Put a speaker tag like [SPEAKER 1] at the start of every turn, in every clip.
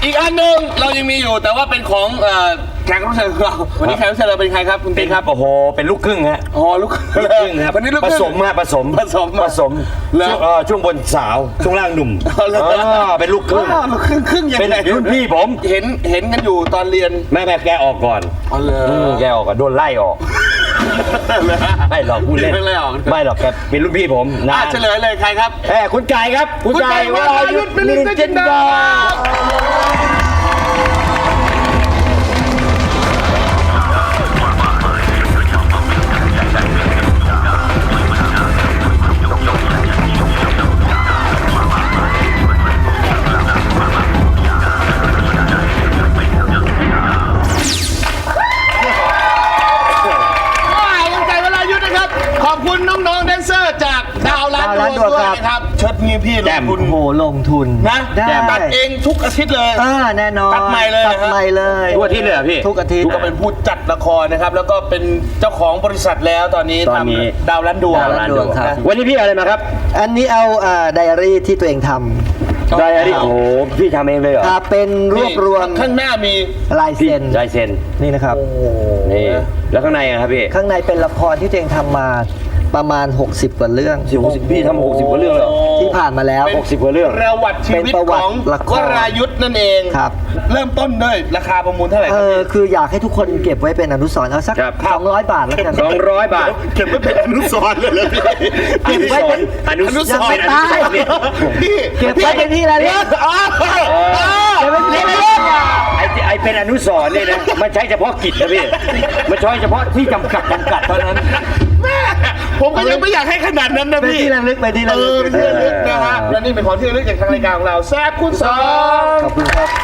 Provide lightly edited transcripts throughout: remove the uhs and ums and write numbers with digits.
[SPEAKER 1] อีกอันหนึ่งเรายังมีอยู่แต่ว่าเป็นของแขกรับเชิญของเราวันนี้แขกรับเชิญเราเป็นใครครับคุณติ๊กครับ
[SPEAKER 2] โอ้โหเป็นลูกครึ่งฮะ
[SPEAKER 1] อ๋อลูกครึ่งครับวันนี้ลูก
[SPEAKER 2] ผ
[SPEAKER 1] ครึ่ง
[SPEAKER 2] สมฮะผสมช่วงบนสาวช่วงล่างหนุ่มเป็นลูกครึ่ง
[SPEAKER 1] ลูกครึ่งยัง
[SPEAKER 2] เป็น
[SPEAKER 1] ไง
[SPEAKER 2] รุ่นพี่ผม
[SPEAKER 1] เห็นกันอยู่ตอนเรียน
[SPEAKER 2] แม่แกออกก่อน
[SPEAKER 1] อ๋อเลย
[SPEAKER 2] แกออกก่อนโดนไล่ออกไม่หรอกพูดเล่นไม่หรอกแกเป็นรุ่นพี่ผมนะ
[SPEAKER 1] เฉลยเลยใครครับ
[SPEAKER 2] คุณไก่ครับคุณไก่วรายุทธเป็นลิงจินดา
[SPEAKER 1] ขอบคุณน้องๆแดนเซอร์จากดาวล้านดวงด้วยนะครับเชิดนี้พี่ลงทุน
[SPEAKER 3] โอ้โหลงทุน
[SPEAKER 1] นะตัดเองทุกอาทิตย์เลย
[SPEAKER 3] แน่นอน
[SPEAKER 1] ตัดใหม่เลย
[SPEAKER 3] ตัดใหม่เลย
[SPEAKER 2] ทุกอาทิตย์เลยพี่
[SPEAKER 3] ทุกอาทิตย์
[SPEAKER 1] ก็เป็นผู้จัดละครนะครับแล้วก็เป็นเจ้าของบริษัทแล้วตอนนี้ทำดาวล้านดวง
[SPEAKER 3] ดาวล้านดวงครับ
[SPEAKER 2] วันนี้พี่อะไรมาครับ
[SPEAKER 3] อันนี้เอาไดอารี่ที่ตัวเองท
[SPEAKER 2] ไดอารี่โอ้โหพี่ทำเองเลยเหรอ
[SPEAKER 3] ำครับเป็นรวบรวม
[SPEAKER 1] ข้างหน้ามี
[SPEAKER 3] ลายเซ็น
[SPEAKER 2] ลายเซ็น
[SPEAKER 3] นี่นะครับ
[SPEAKER 2] นี่แล้วข้างในอะครับพี่
[SPEAKER 3] ข้างในเป็นละครที่ตัวเองทำมาประมาณ 60 กว่าเรื่อง
[SPEAKER 2] พี่ทำ60 กว่าเรื่องเลย
[SPEAKER 3] ที่ผ่านมาแล้ว
[SPEAKER 2] 60 กว่าเรื่อง
[SPEAKER 1] ประวัติชีวิต
[SPEAKER 3] เป็นประวั
[SPEAKER 1] ข
[SPEAKER 3] ติ
[SPEAKER 1] อง
[SPEAKER 3] ละคร
[SPEAKER 1] วรายุทธ์นั่นเอง
[SPEAKER 3] ครับ
[SPEAKER 1] เริ่มต้นด้วยราคาประมูลเท่าไหร่ครับพี่
[SPEAKER 3] คืออยากให้ทุกคนเก็บไว้เป็นอนุสรณ์เอาสัก
[SPEAKER 2] ครับ
[SPEAKER 3] 200 บาทแล้วกัน
[SPEAKER 2] 200 บาท
[SPEAKER 1] เก็บไว้เป็นอนุสรณ์เลยเลยพี่
[SPEAKER 2] อนุสรณ์
[SPEAKER 3] ยังไม่ตาย
[SPEAKER 1] พี่
[SPEAKER 3] เก็บไว้เป็นที่ระลึก เก็บไว้เป็นที่ระลึก
[SPEAKER 2] ไอเป็นอนุสรณ์เนี่ยนะมันใช้เฉพาะกิจนะพี่มันใช้เฉพาะที่จำกัดเท่านั้น
[SPEAKER 1] แม่ผมก็ยังไม่อยากให้ขนาดนั้นนะ
[SPEAKER 3] เป็น
[SPEAKER 1] พี่
[SPEAKER 3] ที่ระลึกเป็นที่ระลึก
[SPEAKER 1] เป็นที่ระลึกนะฮะและนี่เป็นของที่ระลึกจากทางรายการของเราแซ่บคุณสอง
[SPEAKER 3] ขอบคุณครับ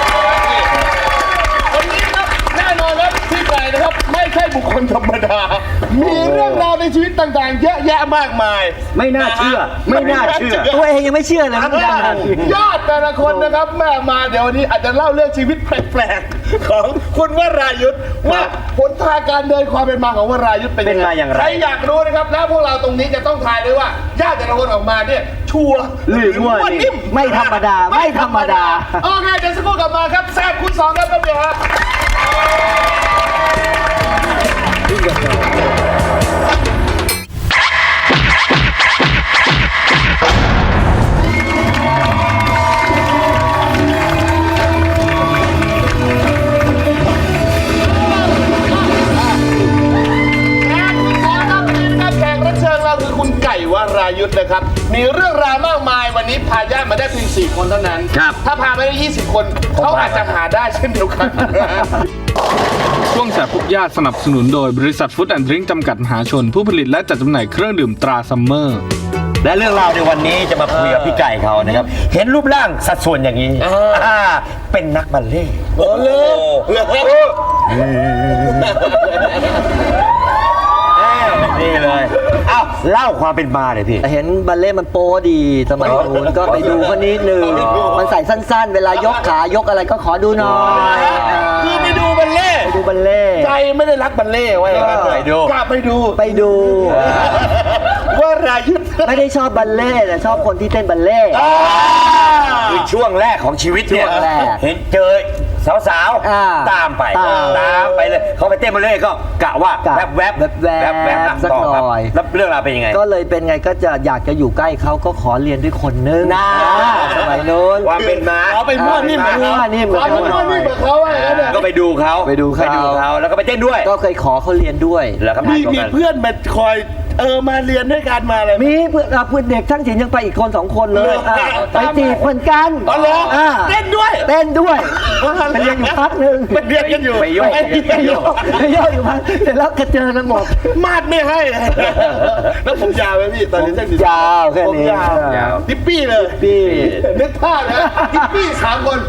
[SPEAKER 1] วันนี้ครับแน่นอนครับพี่ไก่นะครับไม่ใช่บุคคลธรรมดา มีเรื่องราวในชีวิตต่างๆ เยอะแยะมากมาย
[SPEAKER 2] ไม่น่าเชื่อไม่น่าเชื่อ
[SPEAKER 3] ตัวเองยังไม่เชื่อเลยมันดัง
[SPEAKER 1] ยอดแต่ละคนนะครับแม่มาเดี๋ยววันนี้อาจจะเล่าเรื่องชีวิตแปลกๆของคุณวรายุทธ์ว่าผลทางการเดินความเป็นมาของวรายุทธ์เป็น
[SPEAKER 2] เป็นมาอย่างไร
[SPEAKER 1] ใครอยากรู้นะครับแล้วพวกเราตรงนี้จะต้องทายด้วยว่าญาติแต่ละคนออกมาเนี่ยชัวร์
[SPEAKER 2] หรือมั่วนิ่
[SPEAKER 1] นิ่ม
[SPEAKER 3] ไม่ธรรมดาไม่ธรรมดา
[SPEAKER 1] โอเคเดี๋ยวสักครู่กลับมาครับแซ่บคุณสองครับแป๊บเดียวครับแขกรับเชิญเราคือคุณไก่วรายุทธ์นะครับมีเรื่องราวมากมายวันนี้พาญาติมาได้เพียง4 คนเท่านั้น
[SPEAKER 2] ครับ
[SPEAKER 1] ถ้าพาไปได้20 คนเขาอาจจะหาได้เช่นเดียวกัน
[SPEAKER 4] ช่วงแสบทุกญาติสนับสนุนโดยบริษัทฟู้ดแอนด์ดริงก์จำกัดมหาชน ผู้ผลิตและจัดจำหน่ายเครื่องดื่มตราซัมเมอร์
[SPEAKER 2] และเรื่องราวในวันนี้จะมาคุยกับพี่ไก่เขานะครับ เห็นรูปร่างสัดส่วนอย่างนี้เป็นนักบัลเล่ต์
[SPEAKER 1] โอ้เลิก
[SPEAKER 2] นี่เลยอ้าวเล่าความเป็นมาเลยพี่
[SPEAKER 3] เห็นบัลเล่ต์มันโป้ดีสมัยนู้นก็ไปดูเขานิดนึงมันใส่สั้นๆ เวลายกขายกอะไรก็ขอดูหน่อย
[SPEAKER 1] คือไปดูบัลเล่ต์
[SPEAKER 3] ไปดูบัลเล่ต์
[SPEAKER 1] ใจไม่ได้รักบัลเล่ต์ไว้กลับไปดู
[SPEAKER 3] ไปดู
[SPEAKER 1] ว่ารายุทธ์
[SPEAKER 3] ไม่ได้ชอบบัลเล่ต์แต่ชอบคนที่เต้นบัลเล่ต์
[SPEAKER 2] คือช่วงแรกของชีวิตเนี่ย
[SPEAKER 3] ช่วงแรก
[SPEAKER 2] เห็นเจอสาวๆตามไปเลยเขาไปเต้นมาเลยก็กะว่าแวบๆ
[SPEAKER 3] สักหน่อย
[SPEAKER 2] แล้วเรื่องราวเป็นยังไง
[SPEAKER 3] ก็เลยเป็นไงก็จะอยากจะอยู่ใกล้เขาก็ขอเรียนด้วยคนนึงสมัยนู้น
[SPEAKER 2] ความเป็นมา
[SPEAKER 1] เอาไปมั่วนิ่มเหมือนเขา
[SPEAKER 3] นี่เหมือน
[SPEAKER 1] เอาไปมั่วนิ่มเหมือนเขาอะไรเนี่ย
[SPEAKER 2] ก็ไปดูเขา
[SPEAKER 3] ไปดูเขา
[SPEAKER 2] แล้วก็ไปเต้นด้วย
[SPEAKER 3] ก็เคยขอเขาเรียนด้วย
[SPEAKER 2] แล้วก็
[SPEAKER 1] มีเพื่อนมาคอยมาเรียนด้วยกันมาอะไร
[SPEAKER 3] มีเพื่อนเด็กช่างศิลป์ยังไปอีกคน2 คนเลยไปจีบเหมือนกัน
[SPEAKER 1] อ๋อเหรอเต้นด้วย
[SPEAKER 3] เต้นด้วยไปเรียนอยู่พักหนึ่ง
[SPEAKER 1] ไปเรียนกันอยู่
[SPEAKER 2] ไปโยก
[SPEAKER 3] ไปโยกอยู่พักเสร็จแล้วก็เจอกันหมด
[SPEAKER 1] มาดไม่ให้ แล้วผมยาวไหมพี่ตอนนี้ช่างศิลป์
[SPEAKER 3] ยาวแค่นี้
[SPEAKER 1] ผมยาวทิปปี้เลย
[SPEAKER 3] พี่
[SPEAKER 1] นึกภาพนะทิปปี้3 คน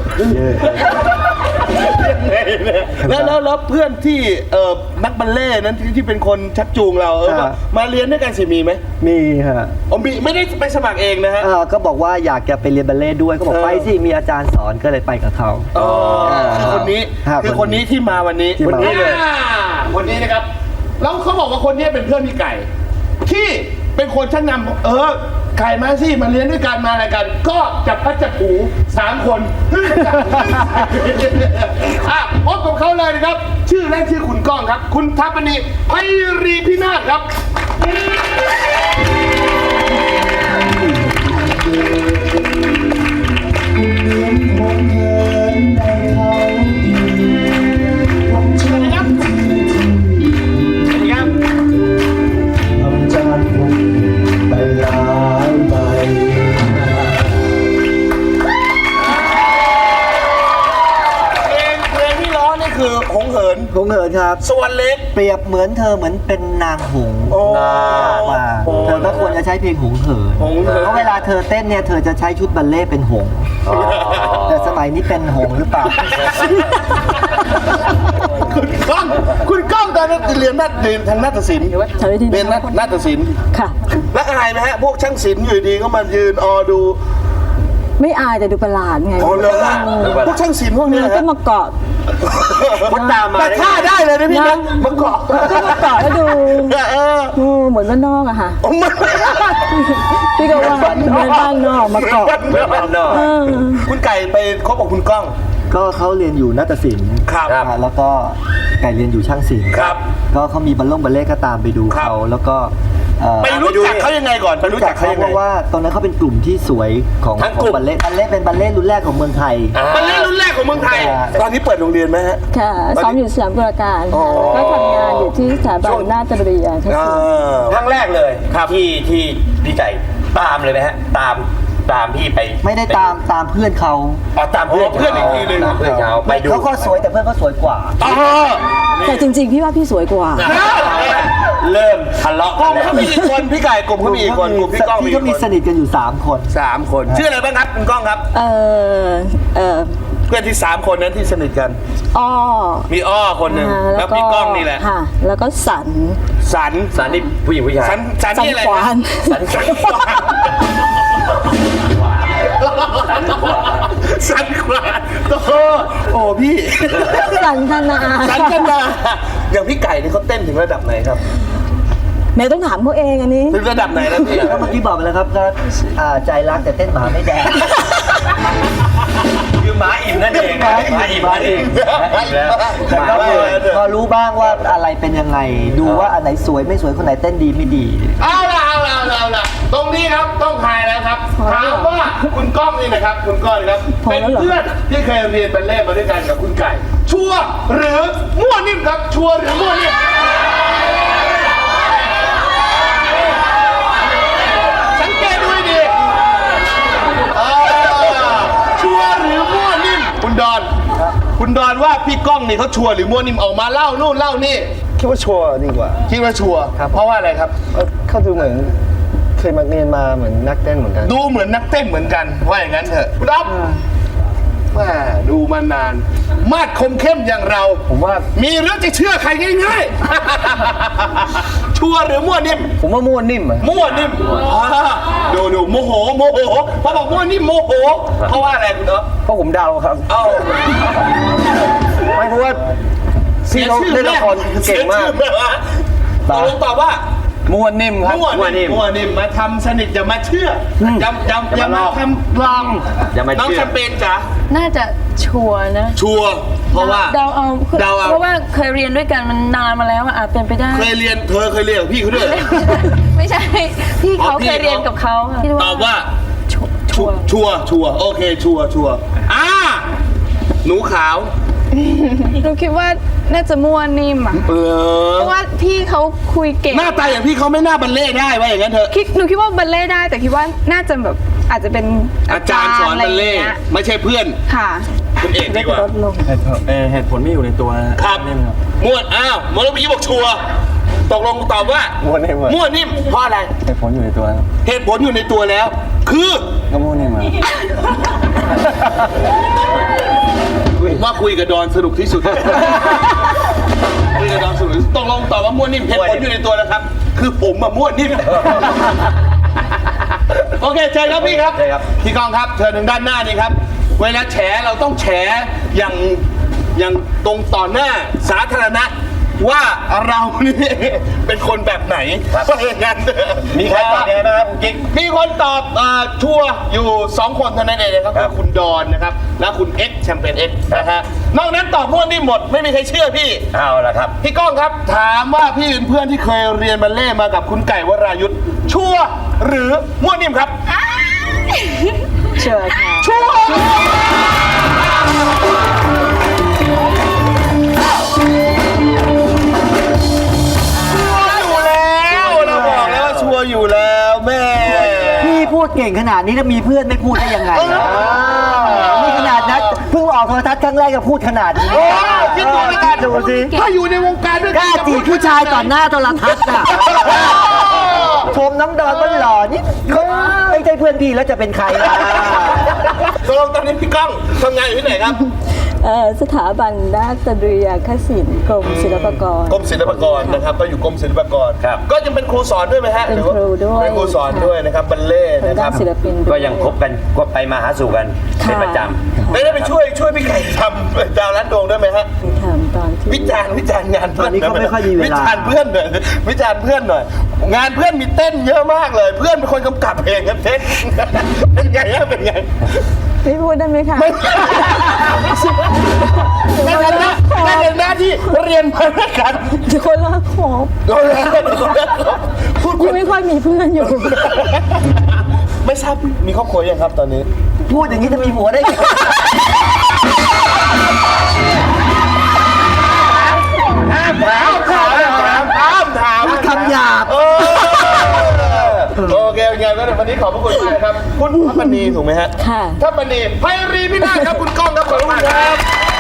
[SPEAKER 1] แล้วเพื่อนที่นักบัลเล่ต์นั้นที่เป็นคนชักจูงเรามาเรียนด้วยกันสิมีไหม
[SPEAKER 3] มีฮะ
[SPEAKER 1] มีไม่ได้ไปสมัครเองนะฮะ
[SPEAKER 3] ก็บอกว่าอยากจะไปเรียนบัลเล่ต์ด้วยก็บอกไปสิมีอาจารย์สอนก็เลยไปกับเขา
[SPEAKER 1] คนนี้คือคนนี้ที่มาวันนี้
[SPEAKER 3] ที่
[SPEAKER 1] คน
[SPEAKER 3] มา
[SPEAKER 1] นี้เลยคนนี้นะครับแล้วเขาบอกว่าคนนี้เป็นเพื่อนพี่ไก่ที่เป็นคนชักนำไก่มาสิมาเรียนด้วยกันมาอะไรกัน ก็จับพัดจับผู3 คนพบกับเขาเลยนะครับ ชื่อแรกชื่อคุณก้องครับ คุณทัพนีไพรีพินาศครับ เพลงที่ร้องนี่คือหงเหิน
[SPEAKER 3] หงเหินครับ
[SPEAKER 1] สวรรค์เล็ก
[SPEAKER 3] เปรียบเหมือนเธอเหมือนเป็นนางหงส์
[SPEAKER 1] โอ้
[SPEAKER 3] ว่าเธอก็ควรจะใช้เพลงหงเหิน
[SPEAKER 1] หงเหิน
[SPEAKER 3] เพราะเวลาเธอเต้นเนี่ยเธอจะใช้ชุดบัลเล่ต์เป็นหงส์แต่สมัยนี้เป็นหงส์หรือเปล่า
[SPEAKER 1] คุณก้องตอนนั้นเรียนทางนาฏศิลป์
[SPEAKER 5] ใช้วิธี
[SPEAKER 1] เรียนนาฏศิลป์
[SPEAKER 5] ค่ะ
[SPEAKER 1] แล้วอายไหมฮะพวกช่างศิลป์อยู่ดีก็มายืนดู
[SPEAKER 5] ไม่อายแต่ดูประหลาดไง
[SPEAKER 1] อ๋อเลยพวกช่างศิลป์พวกนี้
[SPEAKER 5] มัน
[SPEAKER 1] นะ
[SPEAKER 5] ก็มาเกาะ
[SPEAKER 2] คนตามมา
[SPEAKER 1] แต่ท่าได้เลยนะพี่นะมันเกาะ
[SPEAKER 5] มันก็มาเกาะแล้วดู เหมือนบ้านนอกอะค่ะ พี่ก็ว่าเหมือนบ้านนอกมาเกาะ
[SPEAKER 2] บ้านนอก
[SPEAKER 1] คุณไก่ไปคบกับคุณก้อง
[SPEAKER 3] ก็เขาเรียนอยู่นาฏศิลป์
[SPEAKER 1] ครับ
[SPEAKER 3] แล้วก็ไก่เรียนอยู่ช่างศิลป์
[SPEAKER 1] ครับ
[SPEAKER 3] ก็เขามีบัลเล่ต์ก็ตามไปดู
[SPEAKER 1] ครับ
[SPEAKER 3] เขาแล้วก็
[SPEAKER 1] ไปรู้จักเขายังไงก่อนไปรู้จักเขายัง
[SPEAKER 3] เพ
[SPEAKER 1] ไง
[SPEAKER 3] ราะว่าตอนนั้นเขาเป็นกลุ่มที่สวยของ
[SPEAKER 1] ทั้งกลุ่ม
[SPEAKER 3] บัลเล่ต์เป็นบัลเล่ต์รุ่นแรกของเมืองไทย
[SPEAKER 1] เป็นเล่นรุ่นแรกของเมืองไทย ตอนนี้เปิดโรงเรียนไหมฮะ
[SPEAKER 5] ค่ะซ้อมอยู่สยามกุลการค่ะแล้วก็ทำงานอยู่ที่สถาบันนาฏวิทยาทัศน์
[SPEAKER 2] ครั้งแรกเลยที่พี่ไก่ตามเลยไหมฮะตามพี่ไป
[SPEAKER 3] ไม่ได้ตามเพื่อนเขา
[SPEAKER 2] ตามเพื่อน
[SPEAKER 1] เพื่อนอีกทีหนึ่ง
[SPEAKER 2] ตามเพื่อนเขาไปดู
[SPEAKER 3] เขาก็สวยแต่เพื่อนเขาสวยกว่า
[SPEAKER 5] แต่จริงๆ พี่ว่าพี่สวยกว่า
[SPEAKER 2] เริ่มทะเลาะ
[SPEAKER 1] ก
[SPEAKER 2] กั
[SPEAKER 1] ลุ่
[SPEAKER 2] น
[SPEAKER 1] ม
[SPEAKER 2] แล้ว
[SPEAKER 1] เขามีกี่คนพี่ไก่กลุ่มเขามีกี่คนกลุ่มพี่ก้องมี
[SPEAKER 3] ที่เขามี
[SPEAKER 1] กี่ค
[SPEAKER 3] ส
[SPEAKER 1] น
[SPEAKER 3] นิทกันอยู่3 คน
[SPEAKER 1] 3 คนชื่ออะไรบ้างครับคุณก้องครับ เพื่อนที่3 คนนั้นที่สนิทกัน
[SPEAKER 5] อ้อ
[SPEAKER 1] มีอ้อคนหนึ่งแล้วพี่ก้องนี่แหละ
[SPEAKER 5] ค่ะ แล้วก็สัน
[SPEAKER 1] สัน
[SPEAKER 2] สารนี่ผู้หญิงผู้ชาย
[SPEAKER 1] สันนี่อะไร
[SPEAKER 5] สันขวาน
[SPEAKER 2] สันขวาน
[SPEAKER 1] สันขวานโอ้พี่
[SPEAKER 5] สันธนา
[SPEAKER 1] สันกันนาอย่างพี่ไก่นี่เขาเต้นถึงระดับไหนครับ
[SPEAKER 5] แม่ต้องถามเขาเองอันนี้
[SPEAKER 1] ถึงระดับไหนแล้วพี่
[SPEAKER 3] ก็เมื่อกี้บอกไปแล้วครับก็ใจรักแต่เต้นหมาไม่แดง
[SPEAKER 2] คือหมาอิ่มนั่นเองหมาอิ่มนั่นเองแล้ว
[SPEAKER 3] แต่ก็พอรู้บ้างว่าอะไรเป็นยังไง ดูว่าอันไหนสวยไม่สวยคนไหนเต้นดีไม่ดี
[SPEAKER 1] เอาล่ะตรงนี้ครับต้องทายแล้วครับถามว่าคุณก้องนี่นะครับคุณก้องนี่ครับ
[SPEAKER 5] พอ
[SPEAKER 1] เป็น
[SPEAKER 5] แล้วเหรอ
[SPEAKER 1] เพื่อนที่เคยเรียนบัลเล่ต์มาด้วยกันกับคุณไก่ ชัวร์หรือมั่วนิ่มครับ ชัวร์หรือมั่วนิ่มสังเกตดูให้ดีชัวร์หรือมั่วนิ่มคุณดอนว่าพี่ก้องนี่เขาชัวร์หรือมั่วนิ่มออกมาเล่านู่นเล่านี่
[SPEAKER 6] คิดว่าชัวร์ดีกว่า
[SPEAKER 1] คิดว่าชัวร์เพราะว่าอะไรครับ
[SPEAKER 6] เขาดูเหมือนเคยมาเรียนมาเหมือนนักเต้นเหมือนกัน
[SPEAKER 1] ดูเหมือนนักเต้นเหมือนกันว่าอย่างนั้นเถอะคุณอ๊อฟแม่ดูมานาน มาดคมเข้มอย่างเรา
[SPEAKER 6] ผมว่า
[SPEAKER 1] มีเรื่องจะเชื่อใครง่ายๆ ชัวร์หรือมั่วนิ่ม
[SPEAKER 6] ผมว่ามั่วนิ่มอะ
[SPEAKER 1] มั่วนิ่มดูโมโหพอบอกมั่วนิ่มโมโห เพราะว่าอะไรคุณอ๊อฟ
[SPEAKER 6] เพราะผมเดาครับ
[SPEAKER 1] เอ้า
[SPEAKER 6] ไม่เพราะว่าพี่เขาเล่นละครเก่งมาก
[SPEAKER 1] ตกลงตอบว่า
[SPEAKER 6] มั่วนิ่มครับ
[SPEAKER 1] มั่วนิ่มมาทำสนิทอย่ามาเชื่ออย่ามาทำลอง
[SPEAKER 2] อย่ามา
[SPEAKER 1] น้อง
[SPEAKER 2] เชื่อ
[SPEAKER 1] แชมเปญจ๋า
[SPEAKER 7] น่าจะชัวร์นะ
[SPEAKER 1] ชัวร์เพราะว่า
[SPEAKER 7] เดาเอา
[SPEAKER 1] เดาเอา
[SPEAKER 7] เพราะว่าเคยเรียนด้วยกันมันนานมาแล้วอะอาจเป็นไปได้
[SPEAKER 1] เคยเรียนกับพี่เขาด้วยเหรอ
[SPEAKER 7] ไม่ใช่ พี่เขา
[SPEAKER 1] อ๋อพี่
[SPEAKER 7] เคยเรียนกับเขาค่ะคิด
[SPEAKER 1] ตอบว่า
[SPEAKER 7] ชัวร์
[SPEAKER 1] ชัวร์โอเคชัวร์หนูขาว
[SPEAKER 8] หนูคิดว่าน่าจะมั่วนิ่มอ่ะ เพราะว่าพี่เขาคุยเก่ง
[SPEAKER 1] หน้าตาอย่างพี่เขาไม่น่าบัลเล่ต์ได้ว่าอย่างนั้นเถอะ
[SPEAKER 8] หนูคิดว่าบัลเล่ต์ได้แต่คิดว่าน่าจะแบบอาจจะเป็น
[SPEAKER 1] อาจารย์สอนบัลเล่ต์
[SPEAKER 8] อะไรอย่างงี้ย
[SPEAKER 1] ไม่ใช่เพื่อน
[SPEAKER 8] ค่ะ
[SPEAKER 1] คุณเอกดีกว่า
[SPEAKER 6] เหตุผลไม่อยู่ในตัวนะครับ
[SPEAKER 1] มั่วมอลพี่บอกชัวร์ตกลงตอบว่า
[SPEAKER 6] มั่วนิ่มอะ
[SPEAKER 1] มั่วนิ่มเพราะอะไร
[SPEAKER 6] เหตุผลอยู่ในตัวครับ
[SPEAKER 1] เหตุผลอยู่ในตัวแล้ว คือ
[SPEAKER 6] ก็มั่วนิ่มอะ
[SPEAKER 1] ผมว่าคุยกับดอนสนุกที่สุด คุยกับดอนสนุกตกลงตอบว่ามั่วนิ่มเหตุผลอยู่ในตัวแล้วครับ คือผมอะมั่วนิ่ม โอเคเชิญครับพี่ครับพี่กองครับเชิญทางด้านหน้านี่ครับ เวลาแฉเราต้องแฉอย่างตรงต่อหน้าสาธารณะว่าเรานี่เป็นคนแบบไหนว่าอย่างนั้น
[SPEAKER 2] มีใครตอบยังไงบ้างครับคุณกิ๊ก
[SPEAKER 1] มีคนตอบชัวร์อยู่ 2 คนเท่านั้นเองนะครับ
[SPEAKER 2] ครับ
[SPEAKER 1] คือคุณดอนนะครับและคุณเอ็กซ์แชมเปญเอ็กซ์นะฮะนอกนั้นตอบมั่วนิ่มหมดไม่มีใครเชื่อพี่
[SPEAKER 2] เอาละครับ
[SPEAKER 1] พี่ก้องครับถามว่าพี่เป็นเพื่อนที่เคยเรียนบัลเล่ต์มากับคุณไก่วรายุทธ์ชัวร์หรือมั่วนิ่มครับ
[SPEAKER 5] เชิญค่ะ
[SPEAKER 1] ชัวร์อยู่แล้วเราบอกแล้วว่าชัวร์อยู่แล้วแม่
[SPEAKER 3] พี่พูดเก่งขนาดนี้แล้วมีเพื่อนไม่พูดได้ยังไงนี่ขนาดนั้นเพิ่งออกโทรทัศน์ครั้งแรกก็พูดขนาดนี้
[SPEAKER 1] โอ้คิดดูแล้วกัน
[SPEAKER 3] ดูสิ
[SPEAKER 1] ถ้าอยู่ในวงการด้วย
[SPEAKER 3] กล้าจีบผู้ชายต่อหน้าโทรทัศน์น่ะชมน้องดอนก็หล่อนี่เขาไม่ใช่เพื่อนพี่แล้วจะเป็นใครล่ะ
[SPEAKER 1] ตกลงตอนนี้พี่ก้องทำงานอยู่ที่ไหนครับ
[SPEAKER 5] สถาบันนาฏเรียคศิลป์กรมศิลปากร
[SPEAKER 1] กรมศิลปากรนะครับก็อยู่กรมศิลปากร
[SPEAKER 2] ครับ
[SPEAKER 1] ก็ยังเป็นครูสอนด้วยไหมฮะ
[SPEAKER 5] เป็น
[SPEAKER 1] หอว่า
[SPEAKER 5] ครูด้วย
[SPEAKER 1] เป็นครูสอนด้วยนะครับบัลเล่ต์
[SPEAKER 5] ทาง
[SPEAKER 1] นะค
[SPEAKER 5] ด้า
[SPEAKER 1] รั
[SPEAKER 5] น
[SPEAKER 1] บ
[SPEAKER 5] ศิลปินด้ว
[SPEAKER 2] ก็ยังคบกันก็ไปมาหาสู่กันเป็นประจำ
[SPEAKER 1] ได้ไปช่วยพี่ไก่ทำดาวรัดดวงด้วยไหมฮะ
[SPEAKER 5] ทำตอนที่
[SPEAKER 1] วิจารณ์งานเพื่อน
[SPEAKER 3] ตอนนี้เขาไม่ค่อยมีเวลา
[SPEAKER 1] วิจารณ์เพื่อนหน่อยวิจารณ์เพื่อนหน่อยงานเพื่อนมีเต้นเยอะมากเลย เพื่อนเป็นคนกำกับเองครับเต้นเป็นไงฮะเป็นไง
[SPEAKER 5] ไม่พูดได้ไหมคะ
[SPEAKER 1] นั่นเป็นหน้าที่เรียนมาด้วยกัน
[SPEAKER 5] คนละขอบ
[SPEAKER 1] พูด
[SPEAKER 5] ยังไม่ค่อยมีเพื่อนอยู่
[SPEAKER 1] ไม่ทราบมีครอบครัวยังครับตอนนี้
[SPEAKER 3] พูดอย่างนี้จะมีผัวได้ไง
[SPEAKER 1] ห้ามถาม
[SPEAKER 3] คำหยาบ
[SPEAKER 1] โอเคไงก็วันนี้ขอบพระคุณมากครับคุณทัพปณีถูกไหมฮะ
[SPEAKER 5] ค่ะ
[SPEAKER 1] ทัพปณีไพรีพินาศครับคุณก้องครับขอบคุณครับ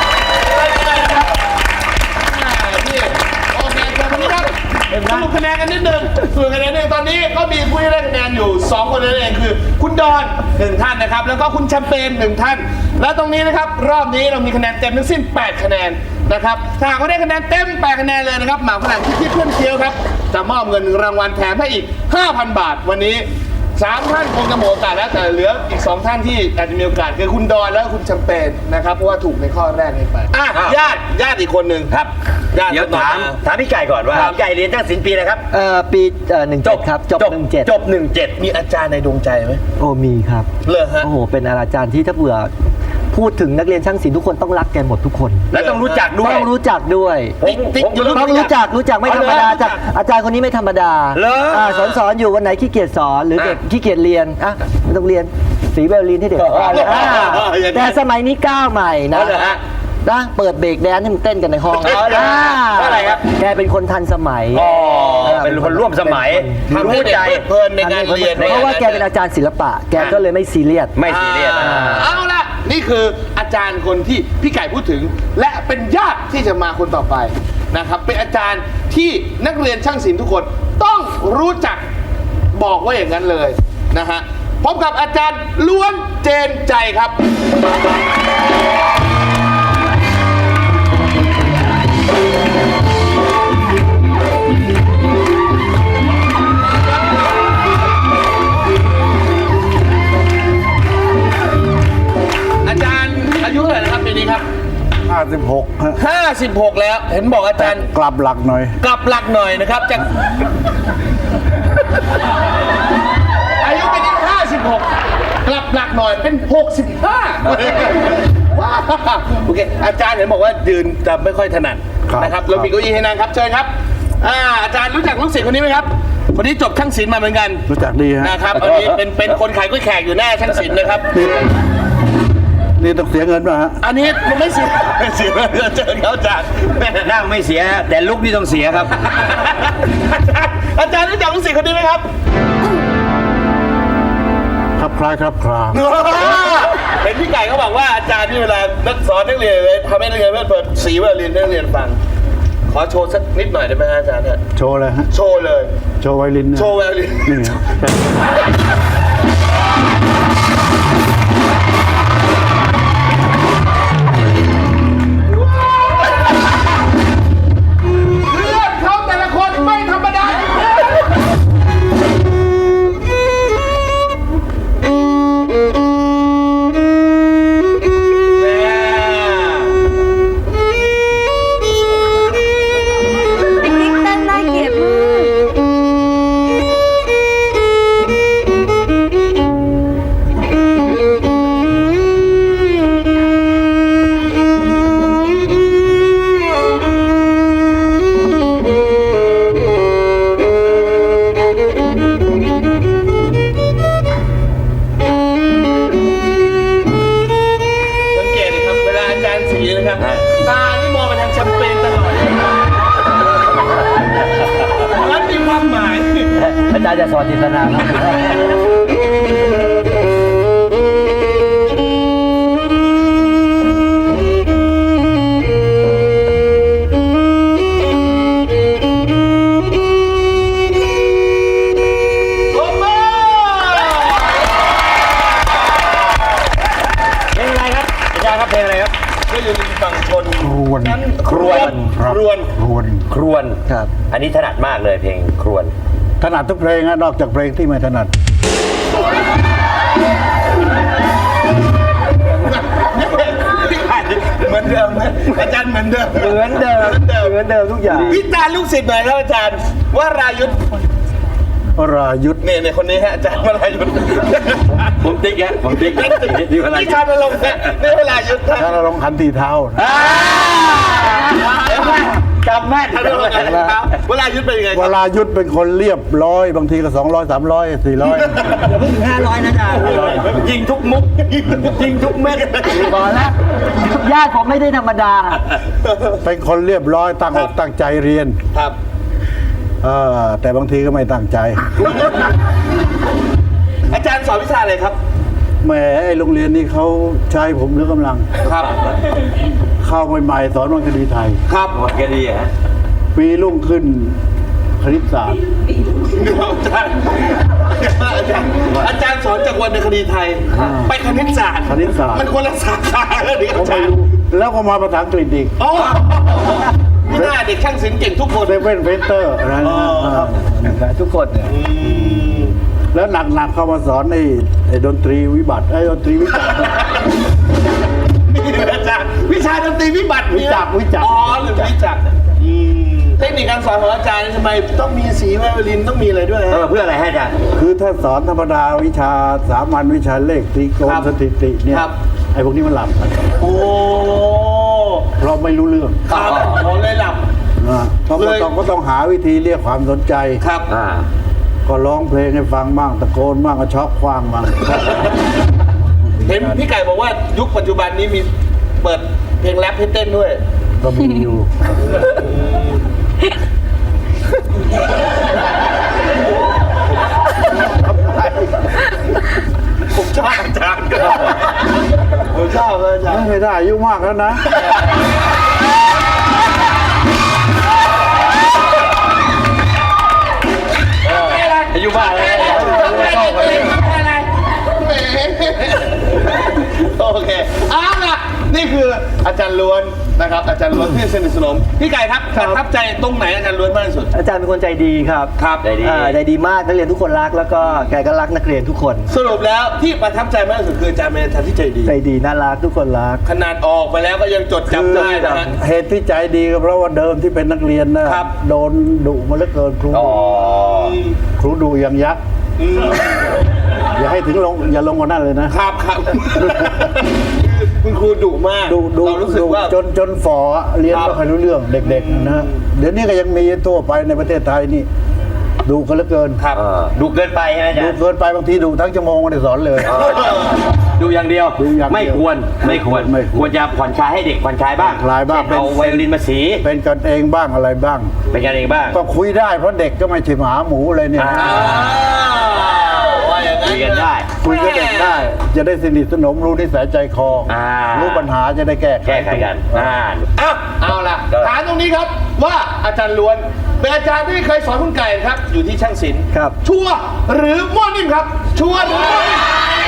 [SPEAKER 1] พี่โอเคครับวันนี้ครับสรุปคะแนนกันนิดนึงสรุปคะแนนตอนนี้ก็มีผู้ที่ได้คะแนนอยู่2คนนั่นเองคือคุณดอน1ท่านนะครับแล้วก็คุณแชมเปญ1ท่านและตรงนี้นะครับรอบนี้เรามีคะแนนเต็มทั้งสิ้น8คะแนนนะครับถ้าหากว่าได้คะแนนเต็ม8คะแนนเลยนะครับหมาฝรั่งที่เพื่อนเคี้ยวครับจะมอบเงินรางวัลแถมให้อีก 5,000 บาทวันนี้3ท่านคงจะหมดโอกาสแล้วแต่เหลืออีก2ท่านที่อาจจะมีโอกาสคือคุณดอนและคุณแชมเปญนะครับเพราะว่าถูกในข้อแรกนี้ไปญาติอีกคนหนึ่ง
[SPEAKER 2] ครับ
[SPEAKER 1] ญาติ
[SPEAKER 2] เดี๋ยวถามพี่ไก่ก่อนว่าพี่ไก่เรียนตั้งศิลป์ปีนะครับ
[SPEAKER 3] ปี17ครับจบ17
[SPEAKER 2] จบ17
[SPEAKER 1] มีอาจารย์ในดวงใจไหม
[SPEAKER 3] โอ้มีครับ
[SPEAKER 1] เลยฮะ
[SPEAKER 3] โอ้โหเป็นอาจารย์ที่ถ้าเผื่อพูดถึงนักเรียนช่างศิลป์ทุกคนต้องรักแกหมดทุกคน
[SPEAKER 2] และต้องรู้จักด้วย
[SPEAKER 3] ต้องรู้จักด้วย
[SPEAKER 1] ติ๊กอยู่
[SPEAKER 3] ต้องรู้จักไม่ธรรมดาจากอาจารย์คนนี้ไม่ธรรมดา
[SPEAKER 2] เหรอ
[SPEAKER 3] สอนอยู่วันไหนขี้เกียจสอนหรือเด็กขี้เกียจเรียนไม่ต้องเรียนสีไวโอลินให้เด็กแต่สมัยนี้ก้าวใหม่นะเปิดเบรกแดนซ์ให้มันเต้นกันในห้อง
[SPEAKER 2] อะไรครับ
[SPEAKER 3] แกเป็นคนทันสมัย
[SPEAKER 2] เป็นคนร่วมสมัย
[SPEAKER 1] ทำให้
[SPEAKER 2] รู้
[SPEAKER 1] เด็ก
[SPEAKER 2] ใจ
[SPEAKER 1] เพลินในการเรียน
[SPEAKER 3] เพราะว่าแกเป็นอาจารย์ศิลปะ แกก็เลยไม่ซีเรียส
[SPEAKER 2] ไม่ซีเรียส
[SPEAKER 1] เอาล่ะนี่คืออาจารย์คนที่พี่ไก่พูดถึง และเป็นญาติที่จะมาคนต่อไปนะครับเป็นอาจารย์ที่นักเรียนช่างศิลป์ทุกคนต้องรู้จักบอกว่าอย่างนั้นเลยนะฮะพบกับอาจารย์ล้วนเจนใจครับอาจารย์อายุเท่าไหร่นะครับปีนี้ครับ
[SPEAKER 6] 56ฮะ
[SPEAKER 1] 56 แล้วเห็นบอกอาจารย์
[SPEAKER 6] กลับหลักหน่อย
[SPEAKER 1] กลับหลักหน่อยนะครับจากอายุเป็น56 กลับหลักหน่อยเป็น 65ว้าวโอเคอาจารย์เห็นบอกว่ายืนจะไม่ค่อยถนัด
[SPEAKER 6] ครับ
[SPEAKER 1] นะครับเรามีเก้าอี้ให้นั่งครับเชิญครับอาจารย์รู้จักลูกศิษย์คนนี้ไหมครับคนนี้จบช่างศิลป์มาเหมือนกัน
[SPEAKER 6] รู้จักดีฮะ
[SPEAKER 1] นะครับอันนี้เป็นคนขายกล้วยแขกอยู่หน้าช่างศิลป์นะครับ
[SPEAKER 6] นี่ต้องเสียเงินป่ะฮะ
[SPEAKER 1] อันนี้มันไม่เสียเสียเจอเขาอาจารย์
[SPEAKER 2] นั่งไม่เสียแต่ลุกนี่ต้องเสียครับ
[SPEAKER 1] อาจารย์รู้จักลูกศิษย์คนนี้ไหมครับ
[SPEAKER 6] ครับคล้ายครับคลา
[SPEAKER 1] เห็นพี่ไก่เขาบอกว่าอาจารย์ที่เวลานักสอนนักเรียนเลยทำให้นักเรียนเปิดสีไวโอลินให้นักเรียนฟัง ขอโชว์สักนิดหน่อยได้ไหมฮะอาจารย์ฮะ
[SPEAKER 6] โชว์เลยฮะ
[SPEAKER 1] โชว์เลย
[SPEAKER 6] โชว์ไวลินเนี่ย
[SPEAKER 1] โชว์ไวโอลิน
[SPEAKER 6] นี่ฮะ
[SPEAKER 1] เพื่อนเขาแต่ละคนไม่ธรรมดานะครับตานี่มองไปทางแชมเปญตลอดแล้วมีความหมาย
[SPEAKER 3] อาจารย์จะสอนจินตนาครับ
[SPEAKER 1] โอ้โห
[SPEAKER 2] เพลงอะไรครับอาจารย์ครับเพลงอะไรครับ
[SPEAKER 1] ก็อยู่ในฝั่งชน
[SPEAKER 6] ครวน
[SPEAKER 2] ครวน
[SPEAKER 1] ครวน
[SPEAKER 6] ครวน
[SPEAKER 2] ครวน
[SPEAKER 3] ครับ
[SPEAKER 2] อันนี้ถนัดมากเลยเพลงครวน
[SPEAKER 6] ถนัดทุกเพลงนะนอกจากเพลงที่ไม่ถนัด
[SPEAKER 1] เหมือนเดิมนะอาจารย์เหมือนเดิม
[SPEAKER 3] เหมือนเดิมเหมือนเดิมทุกอย่าง
[SPEAKER 1] วิจารณ์ลูกศิษย์หน่อยครับอาจารย์ว่ารายุทธ์
[SPEAKER 6] วรายุทธ
[SPEAKER 1] เนี่ยคนนี้ฮะอาจารย์วรายุทธ์
[SPEAKER 2] ผมติ๊กฮะผมติ๊กที่เวลา
[SPEAKER 1] ที่ชาญลงค์ฮะนี่วรายุทธ์ฮะ
[SPEAKER 6] ถ้าเราลงขันตีเท้านะ
[SPEAKER 2] จำแม่น
[SPEAKER 1] ชาญลงค์ครับวรายุทธ์เป็นยังไงคว รับ
[SPEAKER 6] รายุทธเป็นคนเรียบร้อย บางทีก็200 300 400
[SPEAKER 3] อย่าเพิ่งถึง500นะอาจารย์
[SPEAKER 2] ยิงทุกมุกยิงทุกเม็ด
[SPEAKER 3] บอกแล้วญาติผมไม่ได้ธรรมดา
[SPEAKER 6] เป็นคนเรียบร้อยตั้งอกตั้งใจเรียน
[SPEAKER 1] ครับ
[SPEAKER 6] แต่บางทีก็ไม่ตั้งใจ
[SPEAKER 1] อาจารย์สอนวิชาอะไรครับ
[SPEAKER 6] แหมไอ้โรงเรียนนี้เขาใช้ผมเหลือกำลัง
[SPEAKER 1] ครับ
[SPEAKER 6] เข้าใหม่ๆสอนวรรณคดีไทย
[SPEAKER 1] ครับ
[SPEAKER 2] หมดก็ดีฮะ
[SPEAKER 6] ปีรุ่งขึ้นคณิตศาสตร์
[SPEAKER 1] อาจารย์สอนจากวรรณคดีไทย ไปคณิตศาสตร์
[SPEAKER 6] คณิตศาสตร์
[SPEAKER 1] มันคนละสาขาแล้วดิ
[SPEAKER 6] ก็
[SPEAKER 1] อาจา
[SPEAKER 6] ไม่
[SPEAKER 1] รย์
[SPEAKER 6] รู้แล้วก็มาภาษาอังกฤษอีก
[SPEAKER 1] โอ้ไม่น่าเด็กช่างศิลป์เก่งทุกคน
[SPEAKER 6] เซเว่นเฟเตอร์อะไรนะ
[SPEAKER 3] ทุกคนเนี่ย
[SPEAKER 6] แล้วหนักๆเข้ามาสอนไอ้ดนตรีวิบัติไอ้ดนตรีวิจักร
[SPEAKER 1] นี่อาจารย์วิชาดนตรีวิบัติ
[SPEAKER 6] วิจักรวิจักร
[SPEAKER 1] อ๋อหรือวิจักรเทคนิคการสอนของอาจารย์ทำไมต้องมีสีไวโอลินต้องมีอะไรด้วย
[SPEAKER 2] เพื่ออะไรให้อาจารย์
[SPEAKER 6] คือถ้าสอนธรรมดาวิชาสามัญวิชาเลขตรีโกณ
[SPEAKER 1] ครับ
[SPEAKER 6] สถิติเนี่ย
[SPEAKER 1] ครับ
[SPEAKER 6] ไอ้พวกนี้มันหลับกัน
[SPEAKER 1] โอ้
[SPEAKER 6] เพราะไม่รู้เรื่อง
[SPEAKER 1] ครับผมเลยหลับ
[SPEAKER 6] นะเพราะ
[SPEAKER 1] เลย
[SPEAKER 6] ก็ต้องหาวิธีเรียกความสนใจ
[SPEAKER 1] ครับ
[SPEAKER 6] ก็ร้องเพลงให้ฟังบ้างตะโกนบ้างก็ช็อกคว้างบ้าง
[SPEAKER 1] เห็นพี่ไก่บอกว่ายุคปัจจุบันนี้มีเปิดเพลงแรปให้เต้นด้วย
[SPEAKER 6] ก็มีอยู่
[SPEAKER 1] ผมชอบอาจารย์ครับผมชอบเลยอาจารย์
[SPEAKER 6] ไม่ได้อายุมากแล้วนะ
[SPEAKER 2] อายุบ้านแล้ว
[SPEAKER 1] โอเคเอาล่ะนี่คืออาจารย์ล้วนนะครับ อาจารย์ล้วนที่สนิทสนมพี่ไก่ครับประทับใจตรงไหนอาจารย์ล้วนมากที่สุด
[SPEAKER 3] อาจารย์เป็นคนใจดีครับ
[SPEAKER 1] ครับ
[SPEAKER 2] ใจดี
[SPEAKER 3] ใจดีมากนักเรียนทุกคนรักแล้วก็แกก็รักนักเรียนทุกคน
[SPEAKER 1] สรุปแล้วที่ประทับใจมากที่สุดคืออาจารย์เป็นอาจารย์ที่ใจดี
[SPEAKER 3] ใจดีน่ารักทุกคนรัก
[SPEAKER 1] ขนาดออกไปแล้วก็ยังจดจำได้นะฮะ
[SPEAKER 6] เหตุที่ใจดีก็เพราะว่าเดิมที่เป็นนักเรียนนะครับ โดนดุมาเหลือเกินครู
[SPEAKER 2] อ๋อ
[SPEAKER 6] ครูดุอย่างยักษ์อย่าให้ถึงอย่าลงกว่านั้นเลยนะครับ
[SPEAKER 1] ครับ คุณครูดุมาก
[SPEAKER 6] ดุ
[SPEAKER 1] เรารู้สึกว่า
[SPEAKER 6] จนฝ่อเรียน
[SPEAKER 1] ครับ
[SPEAKER 6] ไม่ค่อยรู้เรื่องเด็กๆนะเดี๋ยวนี้ก็ยังมีทั่วไปในประเทศไทยนี่ดุกันเหลือเกิน
[SPEAKER 1] ครับ
[SPEAKER 2] ดูเกินไปใช่ไหมอาจาร
[SPEAKER 6] ดุ
[SPEAKER 2] ย์
[SPEAKER 6] เกินไปบางทีดุทั้งชั่วโมงไม่ได้สอนเลย
[SPEAKER 2] ดูอย่างเดียว
[SPEAKER 6] ดูอย่างเดียว
[SPEAKER 2] ไม่ควร
[SPEAKER 6] ไม่ควร
[SPEAKER 2] ควรจะผ่อนคลายให้เด็กผ่อนคลายบ้าง
[SPEAKER 6] ผ่อนคลายบ้าง
[SPEAKER 2] เช่นเอาไวโอลินมาสี
[SPEAKER 6] เป็นกันเองบ้างอะไรบ้าง
[SPEAKER 2] เป็นกันเองบ้าง
[SPEAKER 6] ก็คุยได้เพราะเด็กก็ไม่ใช่หมาหมูเลยเนี่ย
[SPEAKER 2] อ่า
[SPEAKER 1] ว่าอย่าง
[SPEAKER 2] คุยกันได้
[SPEAKER 6] คุยกับเด็กได้ จะได้สนิทสนมรู้นิสัยใจคอ รู้ปัญหาจะได้แก้ไข
[SPEAKER 2] แก้ไขกัน
[SPEAKER 1] เอาล่ะถามตรงนี้ครับว่าอาจารย์ล้วนเป็นอาจารย์ที่เคยสอนคุณไก่ครับ อยู่ที่ช่างศิลป์
[SPEAKER 3] ครับ
[SPEAKER 1] ชัวร์หรือมั่วนิ่มครับ ชัวร์หรือมั่วนิ่ม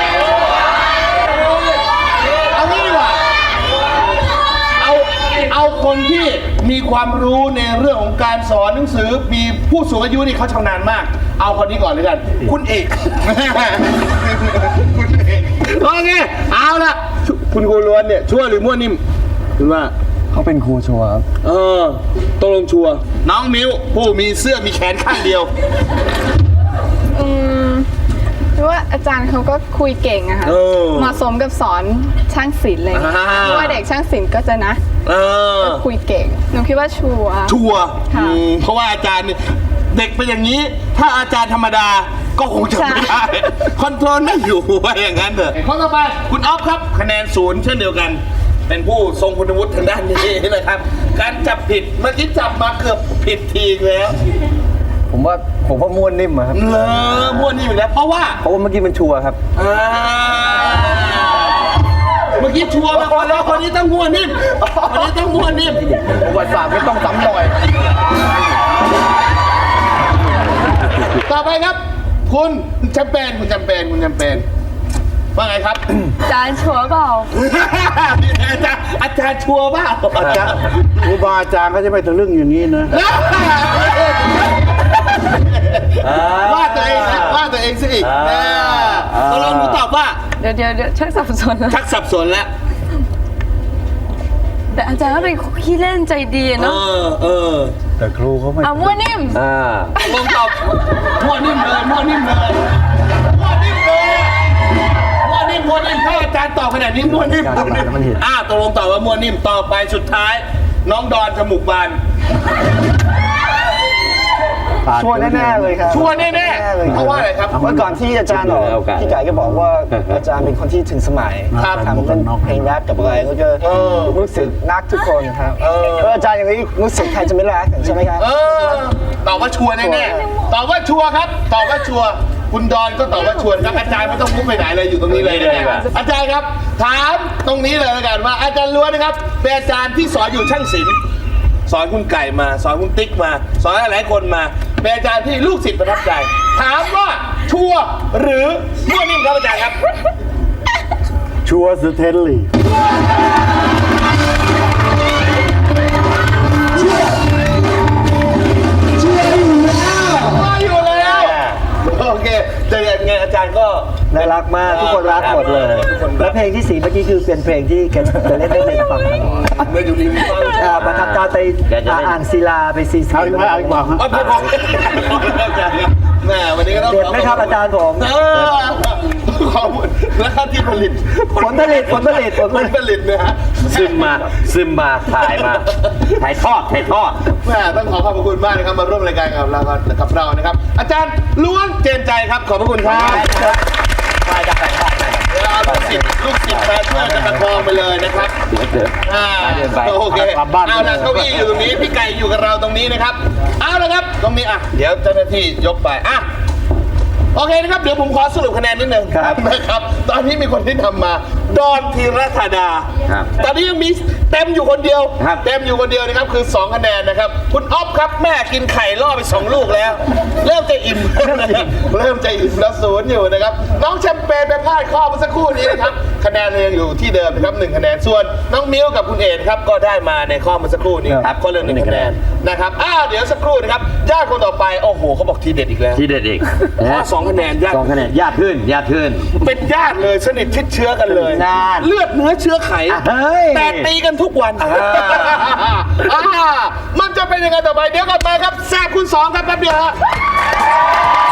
[SPEAKER 1] เอางี้ดีกว่าเอาคนที่มีความรู้ในเรื่องของการสอนหนังสือมีผู้สูงอายุนี่เขาชำนาญมาก เอาคนนี้ก่อนเลยกัน คุณเอก คุณเอกโอเคเอาล่ะคุณครูล้วนเนี่ยชัวร์หรือมั่วนิ่มคุณว่า
[SPEAKER 3] เขาเป็นครูชัวร์ครับ
[SPEAKER 1] ตกลงชัวร์น้องมิ้วผู้มีเสื้อมีแขนข้างเดียว
[SPEAKER 8] เพราะว่าอาจารย์เขาก็คุยเก่งอะค่ะ
[SPEAKER 1] เออ
[SPEAKER 8] เหมาะสมกับสอนช่างศิลป์เลย เพราะว่าเด็กช่างศิลป์ก็จะนะ คุยเก่งหนูคิดว่าชัวร์
[SPEAKER 1] ชัวร์
[SPEAKER 8] ค่ะ
[SPEAKER 1] เพราะว่าอาจารย์เนี่ยเด็กเป็นอย่างนี้ ถ้าอาจารย์ธรรมดาก็คงจะไม่ได้ คอนโทรลไม่อยู่ว่าอย่างนั้นเถอะข้อต่อไปคุณออฟครับคะแนน0เช่นเดียวกันเป็นผู้ทรงคุณวุฒิทางด้านนี้นะครับ การจับผิดเมื่อกี้จับมาเกือบผิดทีแล้ว
[SPEAKER 3] ผมว่าม้วนนิ่มอะครับ
[SPEAKER 1] เลอม้วนนี่อยู่แล้วเพราะว่า
[SPEAKER 3] เพราะว่าเมื่อกี้มันชัวร์ครับ
[SPEAKER 1] เมื่อกี้ชัวร์มาก่อนแล้วคนนี้ต้องม้วนนิ่มคนนี้ต้องม้วนนิ่ม
[SPEAKER 3] ประวัติศาสตร์ไม่ต้องซ้ำรอย
[SPEAKER 1] ต่อไปครับ คุณแชมเปญคุณแชมเปญคุณแชมเปญว่าไงครับ
[SPEAKER 7] จานชัวร์เปล่า
[SPEAKER 1] อาจารย์ชัวร์เปล่า
[SPEAKER 6] อาจารย์ครูบาอาจารย์เขาจะไม่ทะลึ่งอย่างนี้นะ
[SPEAKER 1] ว่าตัวเองนะว่าตัวเองสิอีกเราลองดูตอบว่า
[SPEAKER 7] เดี๋ยวชักสับสนแล้ว
[SPEAKER 1] ชักสับสนแล้ว
[SPEAKER 7] แต่อาจารย์ก็เป็นขี้เล่นใจดีเนาะ
[SPEAKER 6] แต่ครูเขาไม่
[SPEAKER 7] มั่วนิ่ม
[SPEAKER 1] ลองตอบมั่วนิ่มเลยมั่วนิ่มเลยมั่วนิ่มเลยมั่วนิ่มมั่วนิ่มถ้าอาจารย์ตอบขนาดนี้มั่วนิ่มตกลงตอบว่ามั่วนิ่มต่อไปสุดท้าย น้องดอนจมูกบาน
[SPEAKER 3] ชัวร์แน่ๆเลยครับ
[SPEAKER 1] ชัวร์แน่ๆเพราะว่าอะไรครับ
[SPEAKER 3] เมื่อก่อนที่อาจารย์ออกพี่ไก่ก็บอกว่าอาจารย์เป็นคนที่ถึงสมัย
[SPEAKER 1] ครับ
[SPEAKER 3] ทำเป็นเพลงแรปกับอะไรแล้วก็รู้สึกรักทุกคนครับอาจารย์อย่างนี้รู้สึกใครจะไม่รักใช่ไหมครับ
[SPEAKER 1] ตอบว่าชัวร์แน่ๆตอบว่าชัวร์ครับตอบว่าชัวร์คุณดอนก็ตอบว่าชัวร์ครับอาจารย์ไม่ต้องมุกไปไหนเลยอยู่ตรงนี้เลยนะครับอาจารย์ครับถามตรงนี้เลยแล้วกันว่าอาจารย์ล้วนนะครับเป็นอาจารย์ที่สอนอยู่ช่างศิลป์สอนคุณไก่มาสอนคุณติ๊กมาสอนหลายๆคนมาเป็นอาจารย์ที่ลูกศิษย์ประทับใจถามว่าชัวร์หรือมั่วนิ่มครับอาจารย์ครับ
[SPEAKER 6] ชัวร์สเตนลีย์
[SPEAKER 1] มาอยู่แล้วโอเคแต่ยังไงอาจารย์ก็
[SPEAKER 3] น่ารักมากทุกคนรักหมดเลยแล้วเพลงที่4เมื่อกี้คือเป็นเพลงที่แกจะเล่นให้ฟังตลอด
[SPEAKER 1] เมื่ออยู่ริมฝั่ง
[SPEAKER 3] ประทับตาไปอ่างศิลาไปซีซี
[SPEAKER 6] เอาอีกไหมเอาอีกเปล่าฮะ
[SPEAKER 1] เอาพออาจารย์ครับแม่วันนี้ก็ต้อง
[SPEAKER 3] เด็ดไหมครับอาจารย์ผม
[SPEAKER 1] ขอบคุณแล้วค่าที่ผลิต
[SPEAKER 3] ผลผลิต
[SPEAKER 1] ผลผลิตนะฮะ
[SPEAKER 2] ซึมมาถ่ายทอด
[SPEAKER 1] แม่ต้องขอขอบคุณมากนะครับมาร่วมรายการกับเรานะครับ อาจารย์ล้วนเจนใจครับขอบพระคุณครับเอาลูกศิษย์มาช่วยกันประคองไปเลยนะครับโอเคเอาละเก้าอี้อยู่ตรงนี้พี่ไก่อยู่กับเราตรงนี้นะครับเอาละครับตรงนี้เดี๋ยวเจ้าหน้าที่ยกไปโอเคนะครับเดี๋ยวผมขอสรุปคะแนนนิดนึงนะครับตอนนี้มีคนที่ทำมาดอนธีรธาดาตอนนี้ยังมีเต็มอยู่คนเดียวนะครับคือ2คะแนนนะครับคุณอ๊อฟครับแม่กินไข่ล่อไป2ลูกแล้วเริ่มจะอิ่มแล้ว0อยู่นะครับน้องแชมเปญไปพลาดข้อเมื่อสักครู่นี้นะครับคะแนนยังอยู่ที่เดิมนะครับ1คะแนนส่วนน้องมิ้วกับคุณเอกครับก็ได้มาในข้อเมื่อสักครู่นี้ครับก็เริ่ม1คะแนนนะครับเดี๋ยวสักครู่นะครับญาติคนต่อไปโอ้โหเขาบอกทีเด็ดอีกแล้ว
[SPEAKER 2] ที่เด็ดอีก
[SPEAKER 1] 2 คะแนนญาติ
[SPEAKER 2] 2 คะแนนญาติขึ้น
[SPEAKER 1] เป็นญาติเลยสนิทชิดเชื้อกันเลย
[SPEAKER 2] นาน
[SPEAKER 1] เลือดเนื้อเชื้อไข
[SPEAKER 2] เฮ้ย
[SPEAKER 1] แต่ตีกันทุกวันมันจะเป็นยังไงต่อไปเดี๋ยวกลับมาครับแซ่บคุณ2ครับแป๊บเดียวฮะ